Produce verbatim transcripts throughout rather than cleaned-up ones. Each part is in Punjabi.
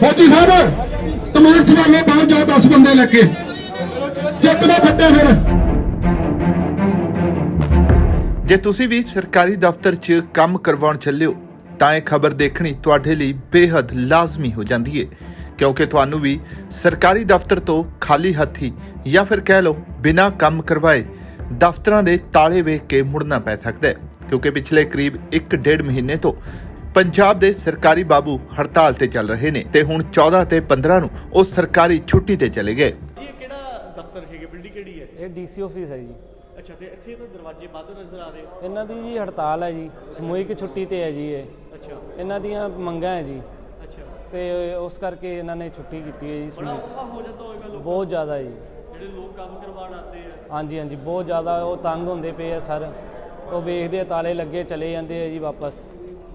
फौजी साहब तमाम सवालों बाहर जाओ, दस बंदे लेके चेक ना फटे फिर। ਜੇ ਤੁਸੀਂ ਵੀ ਸਰਕਾਰੀ ਦਫ਼ਤਰ 'ਚ ਕੰਮ ਕਰਵਾਉਣ ਚੱਲੇ ਹੋ ਤਾਂ ਇਹ ਖਬਰ ਦੇਖਣੀ ਤੁਹਾਡੇ ਲਈ ਬੇਹੱਦ ਲਾਜ਼ਮੀ ਹੋ ਜਾਂਦੀ ਹੈ, ਕਿਉਂਕਿ ਤੁਹਾਨੂੰ ਵੀ ਸਰਕਾਰੀ ਦਫ਼ਤਰ ਤੋਂ ਖਾਲੀ ਹੱਥੀ ਜਾਂ ਫਿਰ ਕਹਿ ਲਓ ਬਿਨਾਂ ਕੰਮ ਕਰਵਾਏ ਦਫ਼ਤਰਾਂ ਦੇ ਤਾਲੇ ਵੇਖ ਕੇ ਮੁੜਨਾ ਪੈ ਸਕਦਾ ਹੈ, ਕਿਉਂਕਿ ਪਿਛਲੇ ਕਰੀਬ ਇੱਕ ਡੇਢ ਮਹੀਨੇ ਤੋਂ ਪੰਜਾਬ ਦੇ ਸਰਕਾਰੀ ਬਾਬੂ ਹੜਤਾਲ ਤੇ ਚੱਲ ਰਹੇ ਨੇ ਤੇ ਹੁਣ ਚੌਦਾਂ ਤੇ ਪੰਦਰਾਂ ਨੂੰ ਉਹ ਸਰਕਾਰੀ ਛੁੱਟੀ ਤੇ ਚਲੇ ਗਏ। ਇਹ ਕਿਹੜਾ ਦਫ਼ਤਰ ਹੈਗਾ, ਬਿਲਡਿੰਗ ਕਿਹੜੀ ਹੈ? ਇਹ ਡੀਸੀ ਆਫਿਸ ਹੈ ਜੀ। ਅੱਛਾ, ਤੇ ਇੱਥੇ ਤਾਂ ਦਰਵਾਜ਼ੇ ਬੰਦ ਨਜ਼ਰ ਆ ਰਹੇ। ਇਹਨਾਂ ਦੀ ਜੀ ਹੜਤਾਲ ਹੈ ਜੀ, ਸਮੂਹਿਕ ਛੁੱਟੀ ਤੇ ਹੈ ਜੀ ਇਹ। ਅੱਛਾ ਇਹਨਾਂ ਦੀਆਂ ਮੰਗਾਂ ਹੈ ਜੀ, ਅੱਛਾ, ਤੇ ਉਸ ਕਰਕੇ ਇਹਨਾਂ ਨੇ ਛੁੱਟੀ ਕੀਤੀ ਹੈ ਜੀ। ਬੜਾ ਸਮੂਹਿਕ ਔਖਾ ਹੋ ਜਾਂਦਾ ਹੋਵੇਗਾ ਲੋਕਾਂ ਬਹੁਤ ਜ਼ਿਆਦਾ ਜੀ। ਜਿਹੜੇ ਲੋਕ ਕੰਮ ਕਰਵਾਉਣ ਆਉਂਦੇ ਆ। ਹਾਂਜੀ ਹਾਂਜੀ, ਬਹੁਤ ਜ਼ਿਆਦਾ ਉਹ ਤੰਗ ਹੁੰਦੇ ਪਏ ਆ ਸਰ। ਉਹ ਵੇਖਦੇ ਆ ਤਾਲੇ ਲੱਗੇ ਚਲੇ ਜਾਂਦੇ ਆ ਜੀ ਵਾਪਸ।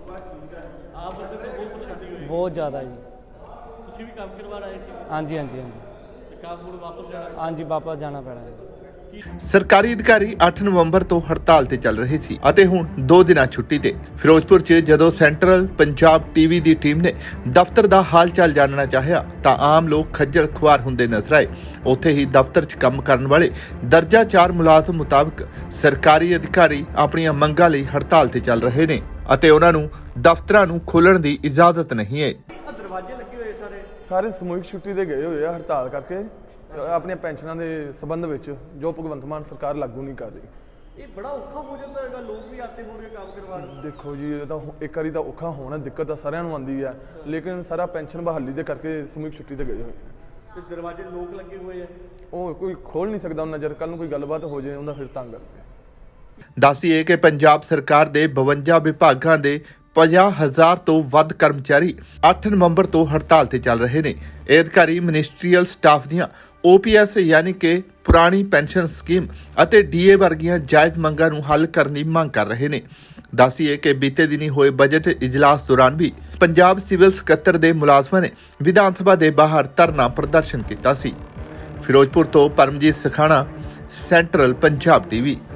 ਆਪ ਬੰਦੇ ਤੋਂ ਬਹੁਤ ਪਰੇਸ਼ਾਨੀ ਹੋਈ। ਬਹੁਤ ਜ਼ਿਆਦਾ ਜੀ। ਤੁਸੀਂ ਵੀ ਕੰਮ ਕਰਵਾਉਣ ਆਏ ਸੀ ਹਾਂਜੀ ਹਾਂਜੀ ਹਾਂਜੀ ਤੇ ਕੰਮ ਹੁਣ ਵਾਪਸ ਜਾਣਾ? ਹਾਂਜੀ, ਵਾਪਸ ਜਾਣਾ ਪੈਣਾ ਹੈ। ਸਰਕਾਰੀ ਅਧਿਕਾਰੀ ਅੱਠ ਨਵੰਬਰ ਤੋਂ ਹੜਤਾਲ ਤੇ ਚੱਲ ਰਹੇ ਸੀ ਅਤੇ ਹੁਣ ਦੋ ਦਿਨਾਂ ਛੁੱਟੀ ਤੇ। ਫਿਰੋਜ਼ਪੁਰ 'ਚ ਜਦੋਂ ਸੈਂਟਰਲ ਪੰਜਾਬ ਟੀਵੀ ਦੀ ਟੀਮ ਨੇ ਦਫ਼ਤਰ ਦਾ ਹਾਲ ਚਾਲ ਜਾਣਨਾ ਚਾਹਿਆ ਤਾਂ ਆਮ ਲੋਕ ਖੱਜਲ ਖੁਆਰ ਹੁੰਦੇ ਨਜ਼ਰ ਆਏ। ਉੱਥੇ ਹੀ ਦਫ਼ਤਰ 'ਚ ਕੰਮ ਕਰਨ ਵਾਲੇ ਦਰਜਾ ਚਾਰ ਮੁਲਾਜ਼ਮ ਮੁਤਾਬਕ ਸਰਕਾਰੀ ਅਧਿਕਾਰੀ ਆਪਣੀਆਂ ਮੰਗਾਂ ਲਈ ਹੜਤਾਲ ਤੇ ਚੱਲ ਰਹੇ ਨੇ ਅਤੇ ਉਹਨਾਂ ਨੂੰ ਦਫ਼ਤਰਾਂ ਨੂੰ ਖੋਲ੍ਹਣ ਦੀ ਇਜਾਜ਼ਤ ਨਹੀਂ ਹੈ। ਆ ਦਰਵਾਜ਼ੇ ਲੱਗੇ ਹੋਏ ਸਾਰੇ ਸਾਰੇ ਸਮੂਹਿਕ ਛੁੱਟੀ ਤੇ ਗਏ ਹੋਏ ਆ ਹੜਤਾਲ ਕਰਕੇ, ਆਪਣੀਆਂ ਪੈਨਸ਼ਨਾਂ ਦੇ ਸੰਬੰਧ ਵਿੱਚ ਜੋ ਭਗਵੰਤ ਮਾਨ ਸਰਕਾਰ ਲਾਗੂ ਨਹੀਂ ਕਰ ਰਹੀ। ਇਹ ਬੜਾ ਔਖਾ ਹੋ ਜਾਂਦਾ ਹੈਗਾ, ਲੋਕ ਵੀ ਆਤੇ ਹੋਣਗੇ ਕੰਮ ਕਰਵਾਉਣ। ਦੇਖੋ ਜੀ, ਇਹ ਤਾਂ ਇੱਕ ਵਾਰੀ ਤਾਂ ਔਖਾ ਹੋਣਾ, ਦਿੱਕਤ ਤਾਂ ਸਾਰਿਆਂ ਨੂੰ ਆਉਂਦੀ ਹੈ, ਲੇਕਿਨ ਸਾਰਾ ਪੈਨਸ਼ਨ ਬਹਾਲੀ ਦੇ ਕਰਕੇ ਸਮੂਹਿਕ ਛੁੱਟੀ ਤੇ ਗਏ ਹੋਏ ਆ। ਤੇ ਦਰਵਾਜ਼ੇ ਲੋਕ ਲੱਗੇ ਹੋਏ ਆ, ਉਹ ਕੋਈ ਖੋਲ ਨਹੀਂ ਸਕਦਾ ਉਹਨਾਂ, ਜਦ ਕੱਲ ਨੂੰ ਕੋਈ ਗੱਲਬਾਤ ਹੋ ਜਾਏ ਉਹਨਾਂ ਫਿਰ ਤੰਗ ਕਰਕੇ। ਦੱਸੀਏ ਕਿ ਪੰਜਾਬ ਸਰਕਾਰ ਦੇ ਬਵੰਜਾ ਵਿਭਾਗਾਂ ਦੇ ਪੰਜਾਹ ਹਜ਼ਾਰ ਤੋਂ ਵੱਧ ਕਰਮਚਾਰੀ ਅੱਠ ਨਵੰਬਰ ਤੋਂ ਹੜਤਾਲ ਤੇ ਚੱਲ ਰਹੇ ਨੇ। ਇਹ ਅਧਿਕਾਰੀ ਮਿਨਿਸਟਰੀਅਲ ਸਟਾਫ ਦੀਆਂ ਓ ਪੀ ਐਸ ਯਾਨੀ ਕਿ ਪੁਰਾਣੀ ਪੈਨਸ਼ਨ ਸਕੀਮ ਅਤੇ ਡੀ ਏ ਵਰਗੀਆਂ ਜਾਇਜ਼ ਮੰਗਾਂ ਨੂੰ ਹੱਲ ਕਰਨ ਦੀ ਮੰਗ ਕਰ ਰਹੇ ਨੇ। ਦੱਸੀਏ ਕਿ ਬੀਤੇ ਦਿਨੀ ਹੋਏ ਬਜਟ ਇਜਲਾਸ ਦੌਰਾਨ ਵੀ ਪੰਜਾਬ ਸਿਵਲ ਸਕੱਤਰ ਦੇ ਮੁਲਾਜ਼ਮਾਂ ਨੇ ਵਿਧਾਨ ਸਭਾ ਦੇ ਬਾਹਰ ਧਰਨਾ ਪ੍ਰਦਰਸ਼ਨ ਕੀਤਾ ਸੀ। ਫਿਰੋਜ਼ਪੁਰ ਤੋਂ ਪਰਮਜੀਤ ਸਖਾਣਾ, ਸੈਂਟਰਲ ਪੰਜਾਬ ਟੀਵੀ।